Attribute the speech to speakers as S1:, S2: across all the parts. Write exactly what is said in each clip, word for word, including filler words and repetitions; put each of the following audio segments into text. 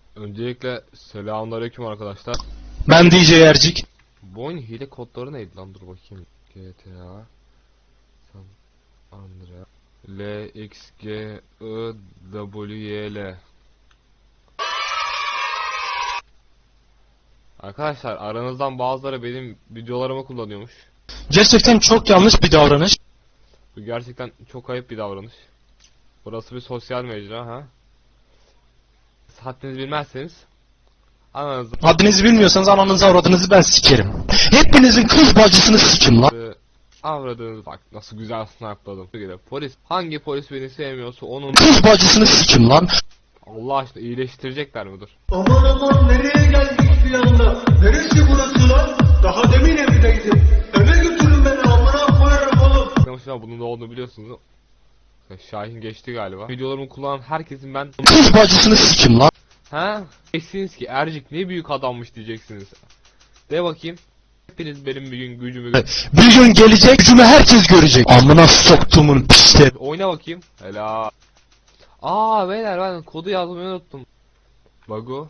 S1: Öncelikle selamünaleyküm arkadaşlar.
S2: Ben D J Ercik.
S1: Bu oyun hile kodları neydi lan, dur bakayım. G T A San Andreas L X G I W Y L. Arkadaşlar aranızdan bazıları benim videolarımı kullanıyormuş.
S2: Gerçekten çok yanlış bir davranış.
S1: Bu gerçekten çok ayıp bir davranış. Burası bir sosyal mecra ha. Haddinizi bilmezseniz ananızı
S2: Haddinizi bilmiyorsanız ananızı avradınızı ben sikerim. Hepinizin kız bacısını sikim lan.
S1: avradınız, bak nasıl güzel snipe'ladım. Polis, hangi polis beni sevmiyorsa onun
S2: Kız bacısını sikim lan.
S1: Allah aşkına iyileştirecekler mi, dur.
S3: Aman aman nereye geldik bir anda? Neresi burası lan? Daha demin evdeydim. Eve götürün beni, amına koyarım oğlum.
S1: Ama bunun ne olduğunu biliyorsunuz. Şahin geçti galiba. Videolarımı kullanan herkesin ben
S2: Kız bacısını sikim lan.
S1: ha? Diyeceksiniz ki Ercik ne büyük adammış diyeceksiniz. De bakayım. Hepiniz benim bir gün gücümü
S2: Bir gün gelecek gücümü herkes görecek. Amına soktumun pisleri.
S1: oyna bakayım. Helal. Aa beyler, ben kodu yazmayı unuttum. Bago.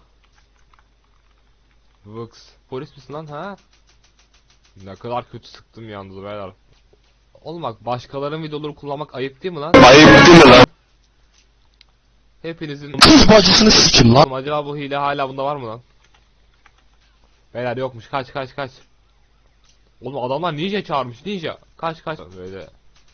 S1: Vux. Polis misin lan ha? Ne kadar kötü sıktım yalnız beyler. Oğlum bak, başkalarının videoları kullanmak ayıp değil mi lan?
S2: Ayıp değil mi lan?
S1: Hepinizin
S2: Kız bacısını sikim lan.
S1: acaba bu hile hala bunda var mı lan? Beyler yokmuş, kaç kaç kaç. Oğlum adamlar ninja çağırmış, ninja. Kaç kaç böyle.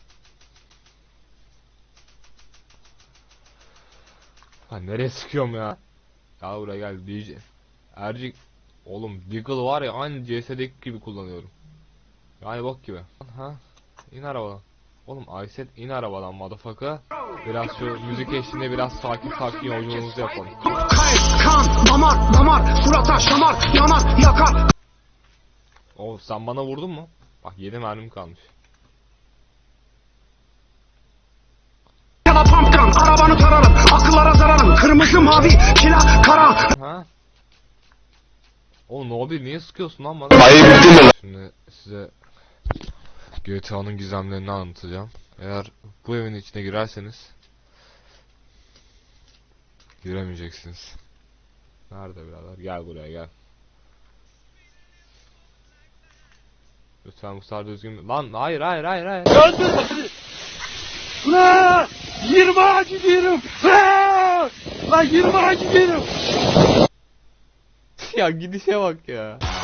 S1: Ha nereye sıkıyorum ya? Ya buraya gel D J. Ercik. Oğlum Deagle var ya, aynı C S'deki gibi kullanıyorum. Yani bok gibi. Ha? İn arabadan. Oğlum Ayset in arabadan motherfucker. Biraz şu müzik eşliğinde biraz sakin sakin yolculuğumuzu yapalım.
S3: Kayıp, kan, damar, damar, surata şamar, yanar, yakar.
S1: Oh, sen bana vurdun mu? Bak yedi mermim kalmış.
S3: Ya da pumpgun, arabanı tararım, akıllara zararım. Kırmızı, mavi, kila, kara.
S1: Ha? Oğlum Nobi niye sıkıyorsun lan bana?
S2: Ayıp değil mi lan?
S1: Şimdi size G T A'nın gizemlerini anlatacağım. Eğer bu evin içine girerseniz giremeyeceksiniz. Nerede birader? Gel buraya gel. Lütfen bu sefer düzgün... Lan hayır hayır hayır hayır.
S4: Öldür! Ulan! yirmi ağacı diyorum! Lan yirmi ağacı diyorum!
S1: Ya gidişe bak ya.